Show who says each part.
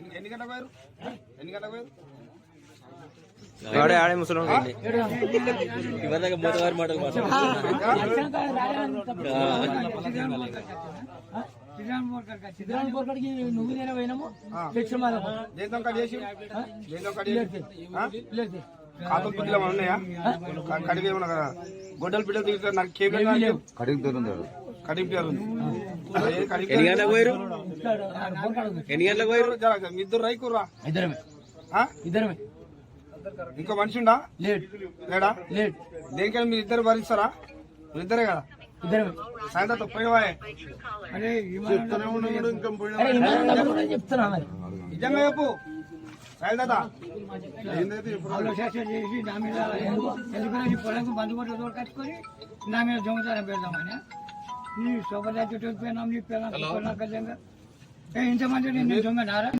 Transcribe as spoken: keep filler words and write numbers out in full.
Speaker 1: ఎన్ని గంటలకు పోయారు ఎన్ని గంటలకు పోయారు
Speaker 2: ఆడే ఆడే ముసలి
Speaker 3: ఇవన్నీ మూతవారి మాటలు
Speaker 4: నువ్వు నేను పోయినాము
Speaker 1: కాతం పిల్లలు ఏమైనా ఉన్నాయా కడిగి ఏమన్నా గొడ్డలు పిల్లలు దిగుతారు నాకు కేబుల్ కడిగి కడిగి పిల్లలు
Speaker 3: ఎన్ని గంటలకు పోయారు ఎన్ని గంటలకు పోయారు
Speaker 1: ఇద్దరు రైకుర్రా
Speaker 4: ఇద్దరమే ఇద్దరమే
Speaker 1: ఇంకో మనిషి ఉండా
Speaker 4: లేట్
Speaker 1: లేడా
Speaker 4: లేట్
Speaker 1: దేనికైనా మీరు ఇద్దరు భరిస్తారా మీరు ఇద్దరే కదా
Speaker 4: ఇద్దరమే
Speaker 1: సాయంత్రం పోయినవాయే
Speaker 4: చెప్తున్నా మరి
Speaker 1: నిజంగా చెప్పు సాయంత్రం
Speaker 4: చేసి నా మీద ఎందుకంటే పొలంకు బంధువులు దూరం కట్టుకొని నా మీద దొంగతనం పెడదామని ఈ శోభరాజు పోయినాం నీ పిల్లలు ఇంతమంది నేను దొంగ నారా